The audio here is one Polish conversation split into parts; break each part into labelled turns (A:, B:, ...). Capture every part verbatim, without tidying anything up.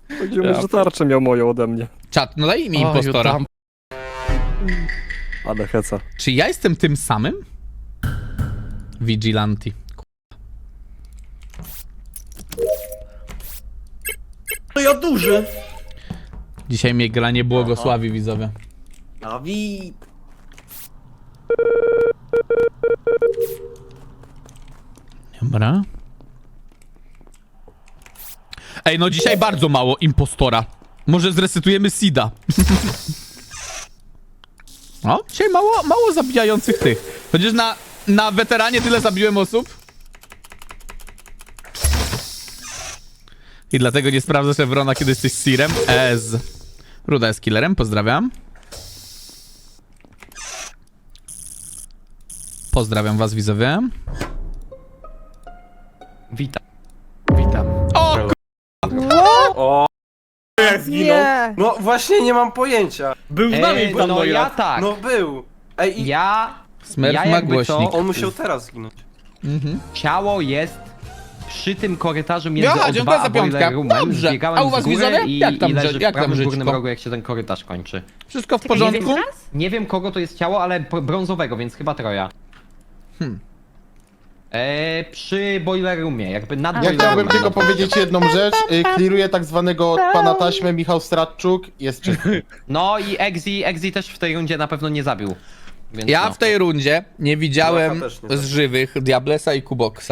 A: Chodziło mi, że tarczę miał moją ode mnie.
B: Czat, no daj mi
C: O,
B: impostora.
C: tam.
A: Ale heca.
B: Czy ja jestem tym samym? Vigilanti.
D: To ja duży.
B: Dzisiaj mnie gra nie błogosławi, widzowie.
D: Dawid.
B: Dobra. Ej, no dzisiaj bardzo mało impostora. Może zresetujemy Sida. No, dzisiaj mało, mało zabijających tych. Chociaż na, na weteranie tyle zabiłem osób. I dlatego nie sprawdzasz Evrona, kiedy jesteś Sirem. Ez. Ruda jest killerem, pozdrawiam. Pozdrawiam was, widzowie.
C: Witam. Witam.
B: O,
D: O, jak zginął.
E: Nie.
D: No właśnie nie mam pojęcia.
F: Był z nami
C: Ej,
F: pan
C: no ja
F: Noirak.
C: tak.
D: No był. Ej, i
C: Ja...
B: Smurf
C: ja
B: ma
C: jakby
B: głośnik.
C: to-
D: on musiał teraz zginąć.
B: Mhm.
C: Ciało jest przy tym korytarzu między
B: Aha,
C: O
B: dziękuję
C: dwa
B: za
C: a
B: piątkę.
C: boiler roomem.
B: Dobrze.
C: Zbiegałem
B: A u was
C: z góry
B: widzowie?
C: i,
B: Jak tam
C: i leży
B: brze-
C: w
B: jak tam
C: prawym górnym
B: brzyczko?
C: rogu, jak się ten korytarz kończy.
B: Wszystko w
E: Czekaj, nie
B: porządku?
E: wiesz raz?
C: Nie wiem kogo to jest ciało, ale po- brązowego, więc chyba Troja.
B: Hmm.
C: Eee, przy boiler roomie, jakby nad
E: Ja
G: Ja
C: boiler
G: chciałbym
C: roomem.
G: tylko powiedzieć jedną rzecz. Y, Kliruję tak zwanego pana taśmę, Michał Stratczuk, jest czysty.
C: No i Exi, Exi też w tej rundzie na pewno nie zabił. Więc
B: Ja
C: no.
B: w tej rundzie nie widziałem
D: Blacha też nie
B: z żywych Diablesa i Kuboksa.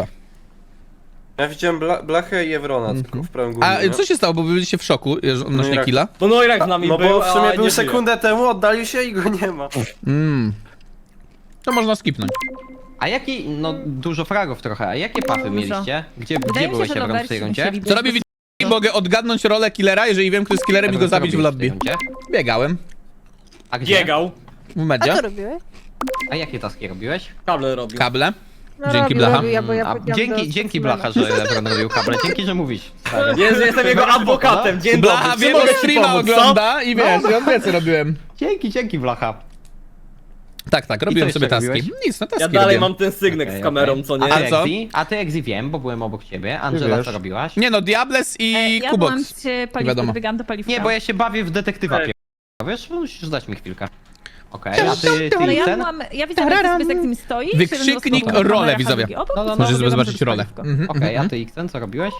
D: Ja widziałem Bla Blachę i Evrona tylko w prawym górnym.
B: A
D: nie?
B: co się stało, bo wy byliście w szoku że- odnośnie
D: jak-
B: killa?
F: No Noirak z nami
D: No
F: był,
D: bo w sumie
F: a
D: był
F: nie
D: sekundę temu, oddalił się i go nie ma.
B: Mm. To można skipnąć.
C: A jaki, no dużo fragów trochę, a jakie pafy
E: Dużo.
C: mieliście? Gdzie,
E: Wydaje
C: gdzie
E: mi się,
C: byłeś
E: że
C: Evron w
E: Logarci
C: tej rundzie?
E: musieli
B: Co
E: być
B: robi
E: bez-
B: Witch? Mogę odgadnąć rolę killera, jeżeli wiem, kto jest killerem i
C: Evron,
B: go
C: co
B: zabić w
C: robiłeś tej
B: lobby.
C: rundzie?
B: Biegałem
C: A gdzie?
F: Biegał.
B: w
E: A
B: medzie,
E: co robiłeś?
C: A jakie taski robiłeś?
F: Kable robił.
B: kable.
E: No,
B: Dzięki,
E: robił,
B: Blacha.
E: robił, ja, bo ja
C: A,
E: powiedziałam
C: dzięki,
E: do
C: dzięki
E: Stefana.
C: Blacha, że Evron robił kable, dzięki, że mówisz. stary.
F: Jest, jestem jego adwokatem. Dzień
B: Blacha
F: dobry. Czy
B: wiem, bo
F: mogę ci
B: streama
F: pomóc, co?
B: ogląda i wiesz, i on wie co robiłem.
C: Dzięki, dzięki Blacha.
B: Tak, tak, robiłem
C: jeszcze
B: sobie taski.
C: robiłeś?
B: Nic, no taski
F: Ja dalej
B: robiłem.
F: mam ten sygnek
C: Okej,
F: z kamerą,
C: okej.
F: co
C: A
F: nie?
C: ty,
B: A co?
C: Exi? A ty Exi wiem, bo byłem obok ciebie. Angela,
G: wiesz.
C: co robiłaś?
B: Nie no, Diables i
H: E, ja byłam
B: Kuboks.
H: przy
B: wiadomo.
H: paliwku, wygan do paliwka.
C: Nie, bo ja się bawię w detektywa
F: Ej.
C: pier... Wiesz, musisz dać mi chwilkę. Okej, a ty, ty
H: Ale ja
C: ten?
H: byłam, ja widziałam jak
E: Tararam.
H: sobie z nim stoi.
B: Wykrzyknik
H: szedłem do
B: rolę,
H: kamerach, a
B: widzowie.
H: drugi obok,
C: No, no, no.
H: pobiegłam
B: Możesz
H: sobie
B: zobaczyć
H: przez
B: rolę.
H: paliwko.
B: Mhm,
C: Okej,
B: mhm.
C: a ty Xen, co robiłeś?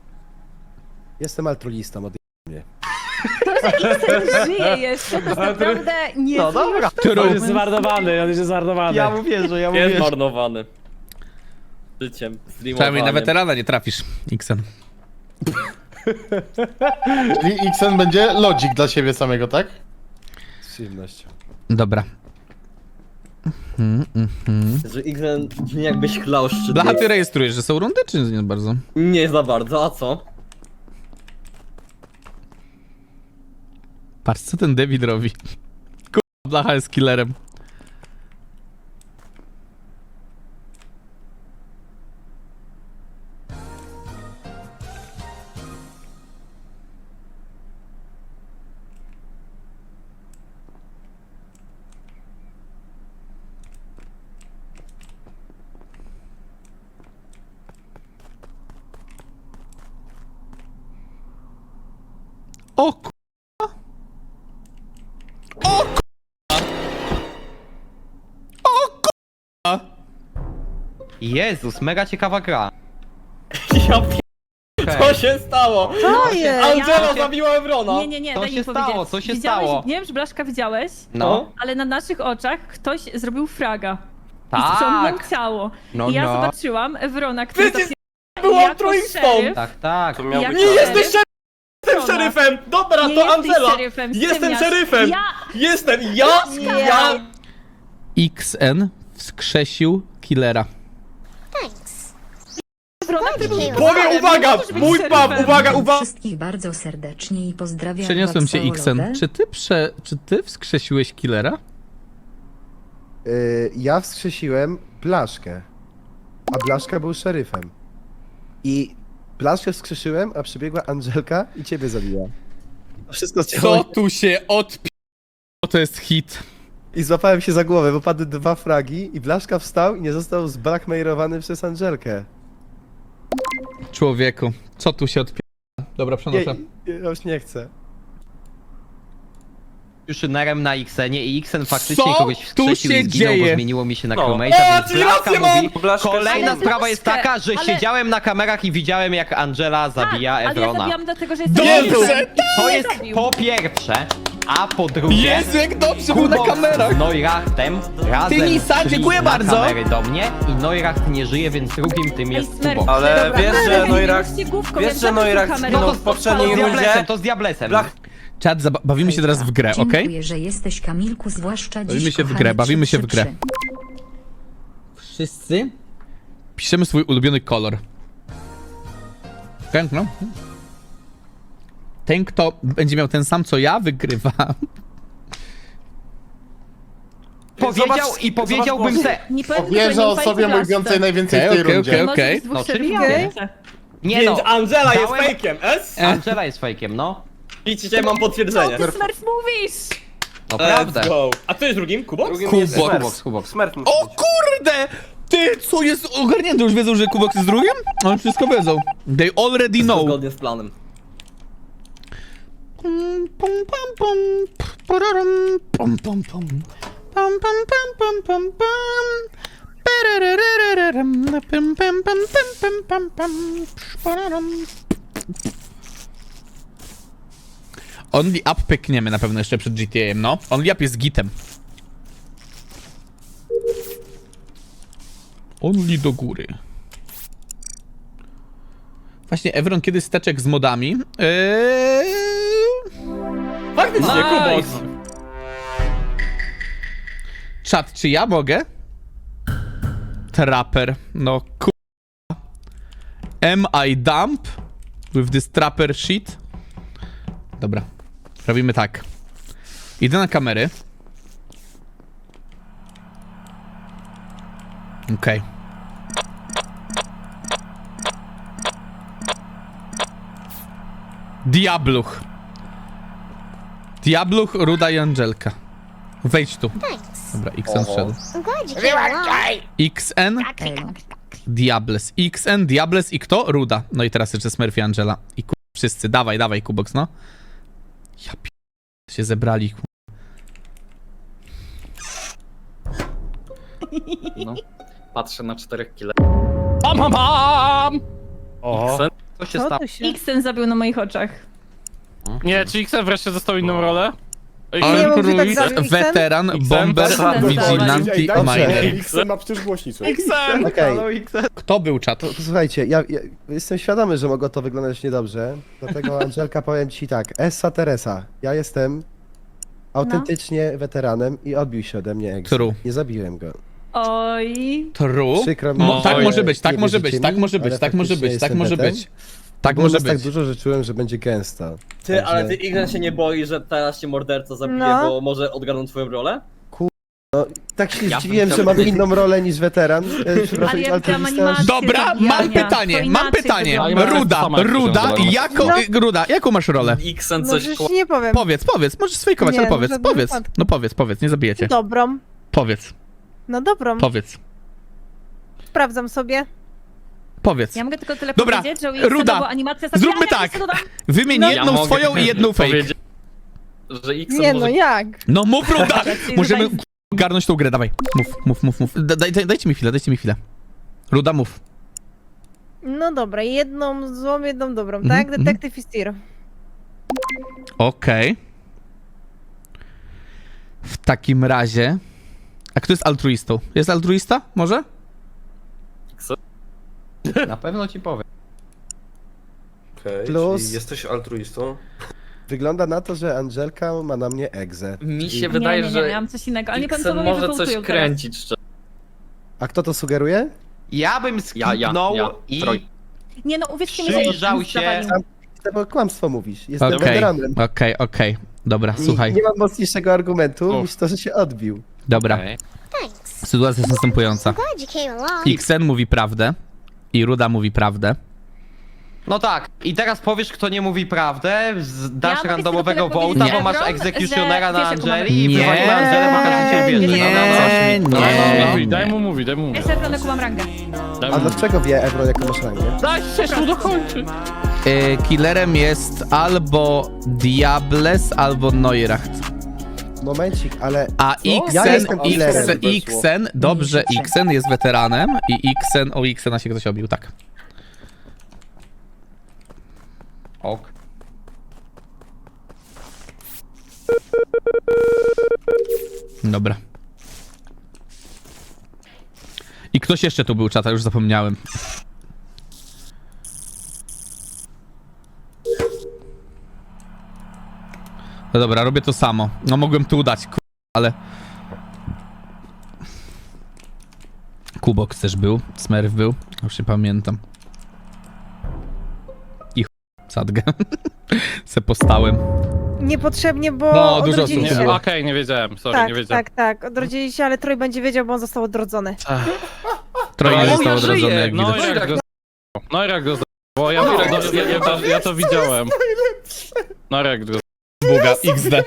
I: Jestem altruistą, od
H: To, że X żyje jeszcze, to jest naprawdę nie
C: No dobra.
B: True.
F: On jest zmarnowany, on jest zmarnowany.
C: Ja mu wierzę, ja mu
F: Jest
C: wierzę.
F: marnowany. Życiem,
B: Przynajmniej na
F: streamowaniem.
B: weterana nie trafisz, Xen.
G: Czyli Xen będzie logik dla siebie samego, tak?
I: z przyjemnością.
B: Dobra.
F: Że Xen jakbyś chlał szczyt.
B: Blacha, ty rejestrujesz, że są rundy, czy nie bardzo?
F: Nie za bardzo, a co?
B: Patrz, co ten David robi. Kurwa, Blacha jest killerem. O ku... O ku...
C: Jezus, mega ciekawa gra.
F: Ja p... Co się stało?
E: To jest!
F: Angela
H: Ja-
F: zabiła Evrona.
H: Nie, nie, nie,
C: Co
H: daj
C: się
H: mi
C: stało?
H: powiedzieć.
C: Co się
H: Widziałeś,
C: stało?
H: Nie wiem, czy Blaszka widziałeś,
C: No.
H: ale na naszych oczach ktoś zrobił fraga. I
C: Tak.
H: ściągnął ciało.
C: No,
H: I ja
C: no.
H: zobaczyłam Evrona, który
F: Przecież
H: zapier-
F: był
H: jako
F: altruistą.
H: szeryf.
C: Tak, tak.
D: To miał
H: Jak
D: być
F: Nie
H: to
D: razem.
F: jesteś szeryfem! Jestem
H: Evrona.
F: szeryfem! Dobra,
H: Nie
F: to
H: jesteś
F: Angela!
H: szeryfem,
F: Jestem
H: ściemniasz.
F: szeryfem!
H: Ja...
F: Jestem ja! Ja!
B: Xen wskrzesił killera.
H: Evrona, który był
F: Powiem, uwaga!
H: Możesz być
F: Mój pap,
H: szeryfem.
F: uwaga, uwaga!
J: Wszystkich bardzo serdecznie i pozdrawiam
B: Przeniosłem
J: was
B: cię,
J: całolowe.
B: Xen. Czy ty prze... Czy ty wskrzesiłeś killera?
I: Y, ja wskrzesiłem Blaszkę, a Blaszka był szeryfem. I Blaszkę wskrzeszyłem, a przybiegła Angelka i ciebie zabiła. To wszystko
B: Co
I: chciałem.
B: tu się odpi... To jest hit.
I: I złapałem się za głowę, bo padły dwa fragi i Blaszka wstał i nie został zblackmailowany przez Angelkę.
B: Człowieku, co tu się odpi... Dobra,
I: Nie,
B: przenoszę.
I: ja już nie chcę.
C: Nerem na Xenie i Xen faktycznie
B: Co
C: kogoś
B: tu
C: wskrzesił
B: się
C: i zginął,
B: dzieje?
C: bo zmieniło mi się na
D: No.
C: crewmate'a,
F: O,
C: więc
F: czyli
C: Blaszka
F: rację mam!
C: mówi...
D: Blaszka
C: Kolejna
H: Ale
C: sprawa jest
H: Blaszkę,
C: taka, że
H: ale-
C: siedziałem na kamerach i widziałem jak Angela zabija
H: tak, ale ja
C: Evrona.
H: zabijam dlatego, że jestem
B: Dobrze,
H: szeryfem.
C: To
H: Nie
C: jest
H: zabił.
C: po pierwsze, a po drugie...
B: Jezu, jak dobrze był na
C: Kubok
B: kamerach!
C: z Neurachtem razem
B: Ty, Lisa,
C: szli
B: dziękuję
C: na
B: bardzo.
C: kamery do mnie i Neuracht nie żyje, więc drugim tym
H: Ej,
C: jest
H: Smurf,
C: Kubok.
D: Ale
H: dobra,
D: wiesz,
H: dobra,
D: że
H: nie
D: Neuracht-
H: mówcie główką,
D: wiesz,
H: jak
D: że
H: zawsze
D: Neuracht
H: kamerę.
D: zginął
C: No
D: w
C: to,
D: poprzedniej
C: to z
D: rundzie?
C: Diablesem, to z Diablesem.
D: Blach-
B: Czat, zaba- bawimy się teraz w grę, okej?
J: Dziękuję, że jesteś Kamilku, zwłaszcza dziś,
B: Bawimy się w
J: kochany
B: grę, bawimy się w grę.
J: trzy trzy trzy.
B: Wszyscy piszemy swój ulubiony kolor. Okej, no. Ten, kto będzie miał ten sam co ja, wygrywa.
C: Powiedział
D: Zobacz-
C: i powiedziałbym
D: zobacz
C: se...
H: Nie powiem,
G: Wierzę
H: tylko nie
G: osobie
H: ufajcie
G: mówiącej
H: Blaszce.
G: najwięcej w
B: Okej,
G: tej
B: okej,
G: rundzie.
B: okej,
H: Może
B: okej.
H: z dwóch
C: No,
H: szeryfów.
C: oczywiście. Nie
F: Więc
C: no,
F: Angela jest
C: dałem-
F: fejkiem, es?
C: Angela jest fejkiem, no.
F: Widzicie, mam
H: Co
F: potwierdzenie.
H: ty, Smurf, mówisz?
C: No
F: Let's
C: prawda.
F: go. A kto jest drugim? Kubok?
D: Drugim jest
B: Kubok.
D: Smurf.
C: Kubok, Kubok.
D: Smurf musi
B: O
D: być.
B: kurde! Ty, co jest ogarnięte? Już wiedzą, że Kubok jest drugim? Oni wszystko wiedzą. They already know.
F: Zgodnie z planem.
B: Pum, pum, pum, pum, pararam, pum, pum, pum. Pum, pum, pum, pum, pum, pum. Parararararam, pum, pum, pum, pum, pum, pum, pum. Pararam. Only Up pykniemy na pewno jeszcze przed G T A-em, no. Only Up jest gitem. Only do góry. Właśnie, Evron, kiedy steczek z modami? Eee...
F: Faktycznie,
C: Nice.
F: Kubok.
B: Czat, czy ja mogę? Trapper. No ku... Am I dump? With this trapper shit? Dobra. Robimy tak. Idę na kamery. Okej. Diabluch. Diabluch, Ruda i Angelka. Wejdź tu. Dobra, X N wszedł. X N, Diables. X N, Diables i kto? Ruda. No i teraz jeszcze Smurf i Angela. I ku... wszyscy. Dawaj, dawaj, Kubox, no. Ja p... się zebrali, ku...
E: No. Patrzę na czterech kile.
F: Pam, pam, pam!
A: O.
C: Co się stało?
H: Xen zabił na moich oczach.
A: Nie, czy X wreszcie dostał inną rolę?
B: Altruist, weteran, bomber,
H: tak,
B: vigilante,
I: Ej, dobrze.
B: miner.
I: X ma przecież głośnicę.
C: Xem!
I: Okej.
B: Kto był czat?
I: To, to słuchajcie, ja, ja jestem świadomy, że mogło to wyglądać niedobrze, dlatego Angelka powiem ci tak, Essa Teresa, ja jestem autentycznie weteranem i odbił się ode mnie Ex.
B: True.
I: Nie zabiłem go.
H: Oj.
B: True?
I: Przykro mi,
B: Mo,
I: że
B: tak może być, tak
I: nie
B: może
I: wierzycie
B: być, tak
I: mi,
B: może być,
I: ale
B: tak może
I: faktycznie
B: być, tak
I: jestem
B: może
I: wetem.
B: być. Tak
I: Było
B: może
I: nas tak
B: być.
I: dużo, że czułem, że będzie gęsto.
F: Ty, ale ty
I: Także-
F: Ignan się nie boi, że teraz cię morderca zabije,
H: No.
F: bo może odgarną twoją rolę?
I: Tak się
E: Ja bym
I: zdziwiłem,
E: chciał
I: że mam
E: powiedzieć-
I: inną rolę niż weteran. E, przepraszam,
H: Ale ja widziałam
I: altruista.
H: animację
B: Dobra,
H: zabijania.
B: mam pytanie,
H: To
B: mam
H: inaczej
B: pytanie.
H: wygląda.
B: Ruda, Ruda, jaką,
K: No.
B: Ruda, jaką masz rolę?
E: Xen
K: No
E: coś
K: już nie powiem.
B: Powiedz, powiedz, możesz sfejkować,
K: Nie,
B: ale
K: no,
B: powiedz,
K: w żadnym
B: powiedz.
K: wypadku.
B: No powiedz, powiedz, nie zabijecie.
K: Dobrą.
B: Powiedz,
K: No dobrą.
B: powiedz,
K: Sprawdzam sobie.
B: powiedz.
H: Ja mogę tylko tyle
B: Dobra,
H: powiedzieć, że u Xena
B: Ruda,
H: była animacja
B: Zróbmy
H: zabijania,
B: tak.
H: więc dodam-
B: Wymień
K: No.
B: jedną
E: Ja mogę
B: swoją i jedną fake.
E: powiedzieć, że Xen
K: Nie
E: może...
K: no, jak?
B: No mów, Ruda!
H: Czyli
B: Możemy
H: tutaj-
B: ogarnąć tą grę, dawaj. Mów, mów, mów, mów. Da- Daj, daj, dajcie mi chwilę, dajcie mi chwilę. Ruda, mów.
K: No dobra, jedną złą, jedną dobrą,
B: Mhm,
K: tak?
B: mhm.
K: Detektyw i Steer.
B: Okej. W takim razie... A kto jest altruistą? Jest altruista? Może?
C: Na pewno ci powiem.
D: Okej,
I: Plus-
D: czyli jesteś altruistą.
I: Wygląda na to, że Angelka ma na mnie egzę.
E: Mi się
I: I-
E: wydaje,
H: nie, nie, nie,
E: że
H: miałam coś innego, ale nie pamiętam,
E: Xen
H: co
E: może
H: mnie
E: coś
H: wywołują
E: kręcić szczerze.
I: A kto to sugeruje?
C: Ja bym
E: Ja, ja,
C: skipnął
E: ja.
C: i
E: Troj.
H: Nie no, uwierzcie mi, że
C: przyjrzał
H: Xen
C: się...
H: zawalił.
I: Bo kłamstwo mówisz. Jestem
B: Okej,
I: weteranem.
B: okej, okej. Dobra,
I: I
B: słuchaj.
I: nie mam mocniejszego argumentu
B: Uf.
I: niż to, że się odbił.
B: Dobra.
C: Okej.
B: Sytuacja jest następująca. Xen mówi prawdę i Ruda mówi prawdę.
C: No tak, i teraz powiesz, kto nie mówi prawdę, z- dasz
H: mogę
C: randomowego
H: tylko tyle
C: wołta,
H: powiedzieć,
C: bo masz
H: Evron,
C: egzekutionera
H: że
C: na
H: wiesz, jaką mamy-
C: Angeli i
B: Nie,
C: wywaliła Angelę, bo każdy cię
H: nie,
C: wierzy.
B: nie,
C: No, no, no.
B: nie.
A: Daj mu mówić, daj mu mówić.
H: Jeszcze jaką mam rangę.
A: Daj
I: A
A: mu
I: dlaczego wie Ebro, jaką masz rangę?
A: Daj się tu dokończyć.
B: y, killerem jest albo Diables, albo Neuracht.
I: Momencik, ale...
B: A
I: Ja
B: Xen,
I: jestem killerem.
B: Xen, Xen, dobrze, Xen jest weteranem i Xen, o Xena się ktoś obił, tak.
C: Ok.
B: Dobra. I ktoś jeszcze tu był, czata, już zapomniałem. No dobra, robię to samo. No mogłem tu udać, ku... ale... Kubox też był, Smurf był, już nie pamiętam. I ch... sadgę. Se postałem.
K: Niepotrzebnie, bo
B: No, dużo
K: odrodzili
B: osób
K: się.
B: było.
A: Okej, nie wiedziałem, sorry,
K: Tak,
A: nie wiedziałem.
K: tak, tak. Odrodzili się, ale Troj będzie wiedział, bo on został odrodzony.
B: Troje
A: No,
B: nie
A: ja
B: zostało
C: żyję.
B: odrodzone, jak
A: No
B: widać.
A: i jak go z***ło. No i jak go z***ło. ja, ja, ja, ja, to, ja to widziałem. No jak go
B: Buga, X D.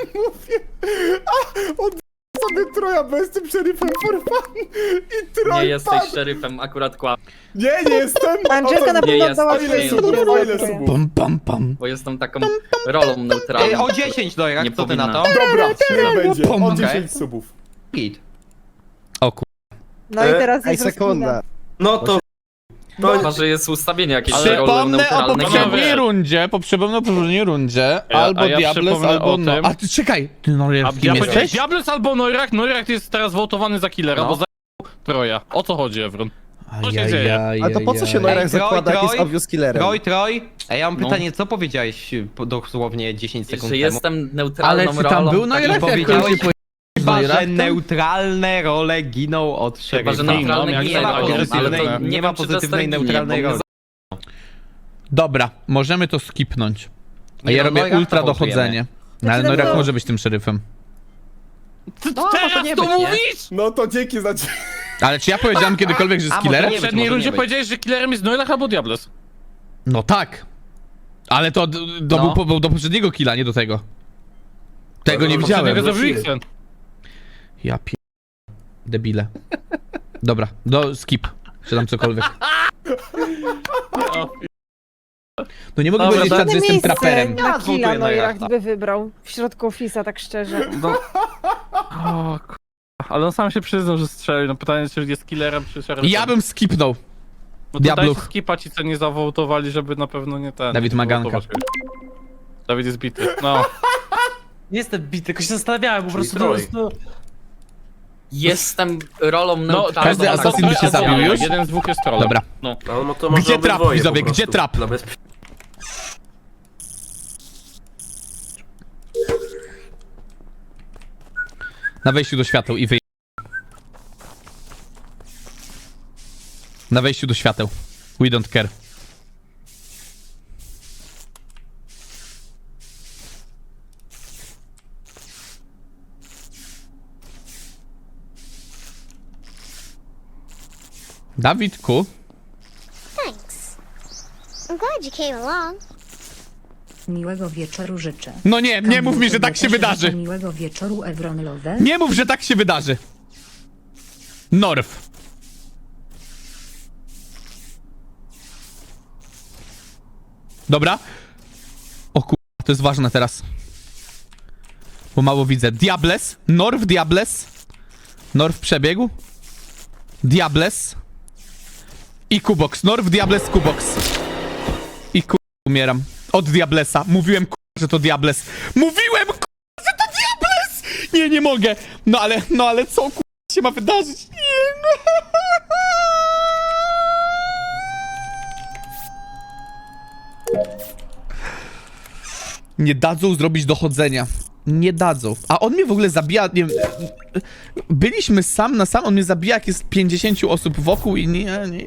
G: Sobie Troja, bo jestem szeryfem for fun i Troj
E: Nie jesteś
G: padł.
E: szeryfem, akurat kłam,
G: Nie, nie jestem!
K: Angelka na
E: Nie
K: pewno
E: jest,
K: oddała
E: nie
K: twoje
E: jest.
K: słowo.
G: Kurwa, ile subów?
B: Pam, pam, pam.
E: bo jestem taką rolą
C: Ej,
E: neutralną.
C: o dziesięć, no jak
E: Nie
C: co ty na to?
E: powinna.
G: Dobra, niech będzie,
B: Pom.
G: o
C: Okej.
G: dziesięć subów.
C: Git.
B: O ku...
K: No i teraz
I: Ej,
K: jest
I: sekunda.
D: No to...
G: No,
E: Chyba, że jest ustawienie jakieś że rolą
B: Przypomnę o
E: neutralnej.
B: poprzedniej
A: nie.
B: rundzie, po przypomnę o poprzedniej rundzie,
A: Ja-
B: albo
A: a ja
B: Diables,
A: przypomnę
B: albo
A: o
B: no.
A: tym-
B: A ty czekaj, ty no
A: A
B: kim
A: ja powiedziałem
B: jesteś?
A: Diables albo Neuracht, Neuracht jest teraz wołtowany za killera,
C: No.
A: bo za Troja. O co chodzi, Evron? Co się
B: Ajajaj,
A: dzieje?
I: A to po co się
C: Ej,
I: Neuracht
C: Troj,
I: zakłada, jak jest
C: Troj,
I: obvious killerem?
C: Troj, Troj. Ej, ja mam
E: No.
C: pytanie, co powiedziałeś y, po- dosłownie dziesięć sekund
E: Że
C: temu?
E: jestem neutralną
B: Ale czy tam
E: rolą.
B: był
E: tak
B: Neuracht,
C: i
B: jak
C: powiedziałeś-
B: ktoś się
C: Chyba, że
B: Neurachtem?
C: neutralne role giną od
E: Chyba,
C: szeryfa.
E: że neutralne
A: jak
E: ginie,
C: nie ma
E: ale to
C: pozytywnej-
E: nie
C: nie
E: wiem,
C: ma
E: czy
C: pozytywnej
E: Jester ginie,
C: neutralnej
E: bo mnie
C: roli.
B: Dobra, możemy to skipnąć. A
C: Nie
B: ja
C: no,
B: robię
C: Neurachta
B: ultra
C: wołtujemy.
B: dochodzenie. No, ale
K: Znaczy,
B: Neuracht
K: no-
B: może być tym szeryfem.
C: No, może
A: Teraz
C: nie
A: to
C: być, nie?
A: mówisz?!
G: no to dzięki za...
B: Ale czy ja powiedziałem kiedykolwiek, że
C: A,
B: jest
C: może
B: killerem?
C: nie
A: W
C: być,
A: poprzedniej
C: może
A: rundzie
C: nie być.
A: powiedziałeś, że killerem jest Neuracht albo Diables.
B: No tak. Ale to, to
C: No.
B: był po, do poprzedniego killa, nie do tego. Tego nie widziałem.
A: Poprzedniego zabił Xen.
B: Ja pi... Debile. Dobra, do skip. Czy tam cokolwiek. No nie mogę
A: Dobra,
B: powiedzieć,
A: to-
B: czat, że jestem
K: Miejsce
B: traperem.
K: na
C: Ja
K: killa
C: zwołtuję
K: Neuracht
C: Neurachta.
K: by wybrał. W środku ofisa, tak szczerze.
A: No. O, k- ale on sam się przyznał, że strzelił. No pytanie, czy jest killerem, czy szeryfem.
B: Ja bym skipnął.
A: No to
B: Diabluch.
A: dajcie skipa ci, co nie zawołtowali, żeby na pewno nie ten...
B: Dawid
A: nie
B: Maganka.
A: zawołtować. Dawid jest bity. No.
F: Nie jestem bity, tylko się zastanawiałem, po prostu...
D: Troj.
F: No,
E: Jestem rolą neutralną.
B: każdy
E: albo
B: asasyn by się
E: neutralną.
B: zabił już?
A: Jeden z dwóch jest trollem.
B: Dobra.
D: No, to może
B: Gdzie trap,
D: obydwoje
B: widzowie,
D: po
B: gdzie
D: prostu,
B: trap?
D: Dla bezpie...
B: Na wejściu do świateł i wyj... Na wejściu do świateł. We don't care. Dawidku,
L: Thanks. I'm glad you came along.
J: Miłego wieczoru życzę.
B: no nie, nie mów mi, że tak się
J: Też
B: wydarzy.
J: życzę Miłego wieczoru Evron Love.
B: Nie mów, że tak się wydarzy. Norf. Dobra. O kur... to jest ważne teraz. Bo mało widzę. Diables. Norf, Diables. Norf przebiegł. Diables. I Kubox. Norf, Diables, Kubox. I kur... umieram. Od Diablesa. Mówiłem kur... że to Diables. Mówiłem kur... że to Diables! Nie, nie mogę. No ale, no ale co kur... się ma wydarzyć? Nie, no. Nie dadzą zrobić dochodzenia. Nie dadzą. A on mnie w ogóle zabija, nie wiem... Byliśmy sam na sam, on mnie zabija, jak jest pięćdziesiąt osób wokół i nie, nie...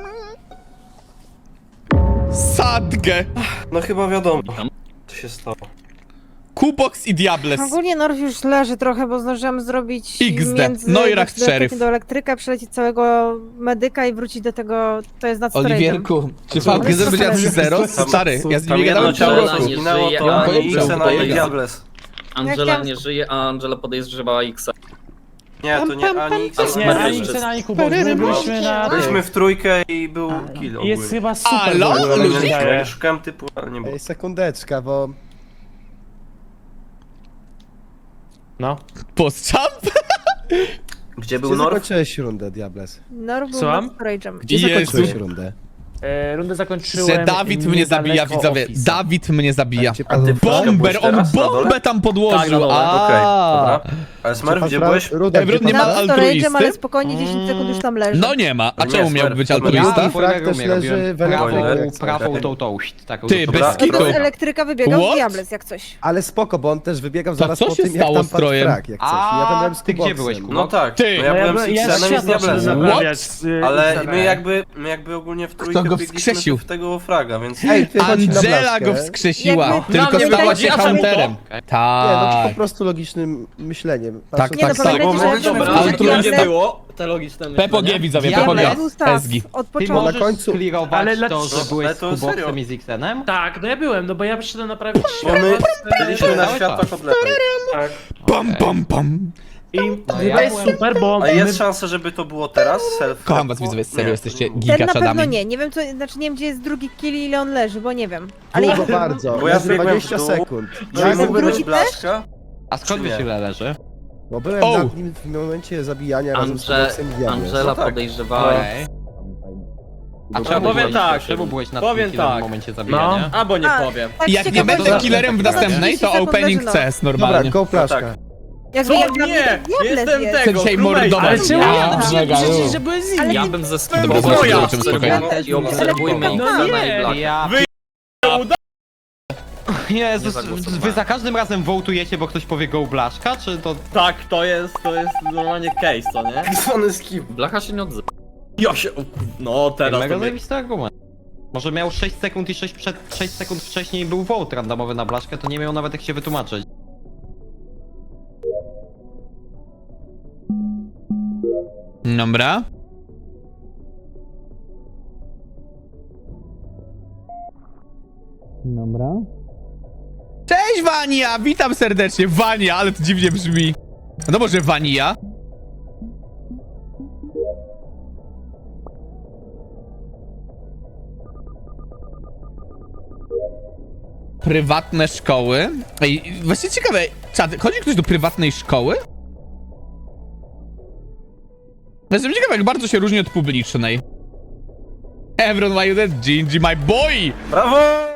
B: Sadgę!
D: No chyba wiadomo, co się stało.
B: Kubox i Diables.
K: Ogólnie Norf już leży trochę, bo zdążyłam zrobić
B: X D.
K: między
B: Neuracht
K: do,
B: szeryf.
K: do elektryka, przelecieć całego medyka i wrócić do tego, to jest nad storage'em.
B: Oliwierku, czy
K: Co?
B: V G Z będzie na trzy zero? Stary, ja z nim nie gadałem
D: Tam
B: cały
D: jedno
B: roku.
D: ciało zginęło,
E: Ja
D: to
E: mam
D: ani
B: pojęcia,
D: Xena,
B: bo
D: ani
E: jest-
D: Diables.
E: Angela
K: chciałam-
E: nie żyje, a Angela podejrzewa X.
D: Nie, to nie ani X, ani
F: Nie,
E: Smurf
F: ani
E: jeszcze.
F: Xen, ani Kubo, my byliśmy na...
D: Byliśmy w trójkę i był kill ogólnie.
F: Jest chyba super.
B: Alo?
F: w ogóle, mi się wydaje.
D: Ja szukałem typu, ale nie było.
I: Ej, sekundeczka, bo...
F: No.
B: Post-jump?
D: Gdzie był
I: Gdzie
D: Norf?
I: zakończyłeś rundę, Diables?
K: Norw był
F: Słucham?
K: nad storage'em.
I: Gdzie
B: Jezu.
I: zakończyłeś rundę?
F: E, rundę zakończyłem...
B: Że Dawid mnie zabija,
F: niedaleko
B: widzowie.
F: Office'a.
B: Dawid mnie zabija.
I: Czy pan
B: Bomber, on
D: teraz na dole?
B: bombę tam podłożył.
F: Tak, na dole.
B: A.
D: Okej, dobra. Ale Smurf, gdzie byłeś?
I: Ruda,
B: Ebron
I: gdzie
B: nie
I: pan
B: ma
I: Frak?
K: Nad storage'em,
B: altruisty?
K: ale spokojnie dziesięć sekund już tam leży.
B: No nie ma. A
D: Nie,
B: czemu miał
D: Smurf.
B: być
I: Ja
B: altruista?
I: w Frak też leży w
C: prawą,
I: elektryku.
C: prawą tą toast. Taką
B: Ty,
C: tą-
B: bez
D: Dobra,
B: kitu.
K: Z elektryka wybiegał
B: What?
K: Diables, jak coś.
I: Ale spoko, bo on też wybiegał
B: To
I: zaraz
B: co
I: po
B: się
I: tym,
B: stało
I: jak tam
B: z
I: padł
B: Trojem?
I: Frak, jak coś. I ja tam byłem z
C: A ty gdzie
I: Kuboxem.
C: byłeś, Kubo?
D: No tak,
B: Ty.
D: no ja byłem z
F: ja
D: Xenem i z
F: światło szedłem
D: Diablesem.
F: naprawiać z, y,
D: Ale
F: Xenem.
D: my jakby, my jakby ogólnie w trójkę
B: go
D: biegliśmy
B: wskrzesił?
D: w tego fraga, więc...
I: Ej, ty chodź na
B: Angela
I: blaszkę.
B: go wskrzesiła.
K: Jakby-
B: Tylko
F: Na mnie
B: stała
F: wychodzi,
B: się
F: a czemu to?
B: hunterem.
I: Nie, no to
B: Tak.
I: po prostu logicznym myśleniem.
B: Tak,
I: Patrząc
K: Nie,
B: tak,
K: no
B: tak.
K: pamiętajcie,
D: Bo
K: że
D: my-
K: jak
D: dobra,
K: byłem
B: ale
K: w
B: tu
K: Diable-
F: nie było, te logiczne myślenie.
B: P P G, widzowie, P P
C: Diable
B: G.
K: był staw
B: S G.
K: od
C: Ty
K: początku.
C: możesz
I: na końcu-
C: sklirować
F: Ale
C: to,
F: dlaczego?
C: że byłeś
D: Ale
C: z
D: to serio.
C: Kuboxem i z Xenem?
F: Tak, no ja byłem, no bo ja przyszedłem naprawić
D: Bo my
F: światło.
D: byliśmy na
C: Cały
D: światłach
C: czas.
D: od lewej.
F: Tak.
B: Pam, pam, pam.
F: I
C: No
F: to
C: ja
F: jest
C: byłem-
F: super, bo
D: A
F: my...
D: jest szansa, żeby to było teraz? Self
B: Kocham was, widzowie, serio,
D: Nie,
B: jesteście
D: to nie było.
K: Ten na pewno
B: gigaczadami.
K: nie. Nie wiem, co, znaczy nie wiem, gdzie jest drugi kill i ile on leży, bo nie wiem. Ale
I: Długo
K: ja,
I: bardzo,
D: Bo ja
I: leży
D: zbiegłem
I: dwadzieścia
D: w dół.
I: sekund.
D: Czy
I: Ja
D: mógłby
K: drugi
D: być blaszka?
C: A skąd
D: Czy
C: wiesz
D: nie?
C: ile leży?
I: Bo byłem
B: O!
I: nad nim w momencie zabijania razem z
E: Andrze,
I: Kuboxem i Diablem.
E: Angela
D: No tak.
E: podejrzewała.
C: Okej. A
F: No,
C: czemu
F: powiem
C: byłeś,
F: tak,
C: czemu byłeś na
F: powiem
C: tym
F: tak.
C: w momencie zabijania?
F: Albo nie
K: A,
F: powiem.
K: tak
B: Jak nie
K: ciekawe,
B: będę
K: że-
B: killerem w następnej, to
K: trzydzieści
B: opening
K: sekund leży,
B: C S
I: Dobra,
B: normalnie.
I: go flaszka.
D: tak.
K: Jakby
F: Co?
K: jak dla mnie
F: Nie!
K: Diables
F: Jestem
K: jest.
B: Chcę
F: tego,
B: dzisiaj
F: królej,
B: mordować.
F: ale
B: Ja,
F: czemu ja
B: mega,
F: przecież,
B: już.
F: że byłem z
K: Ale
F: nim.
E: Ja
K: nie-
E: bym ze
B: Dobra,
E: sklepu
B: zobaczymy,
F: ja.
B: zobaczymy spokojnie.
C: też
E: i obserwujmy
C: nie.
E: Xena i
F: nie.
E: Blacka.
C: Ja... Jezus,
E: Nie zagłosowałem.
C: wy za każdym razem wołtujecie, bo ktoś powie go blaszka, czy to...
F: Tak, to jest, to jest normalnie case, co nie?
D: Tak zwany skip.
E: Blacha się nie odzywa.
F: Ja się... No teraz
C: Mega
F: to...
C: zajebisty argument. Może miał sześć sekund i sześć, przed, sześć sekund wcześniej był vote randomowy na blaszkę, to nie miał nawet jak się wytłumaczyć.
B: Dobra. Dobra. Cześć Wania! Witam serdecznie. Wania, ale to dziwnie brzmi. No może Wania? Prywatne szkoły. Ej, właśnie ciekawe, czad, chodzi ktoś do prywatnej szkoły? Jestem ciekawy, jak bardzo się różni od publicznej. Everyone, why you dead? Gingy, my boy!
D: Brawo!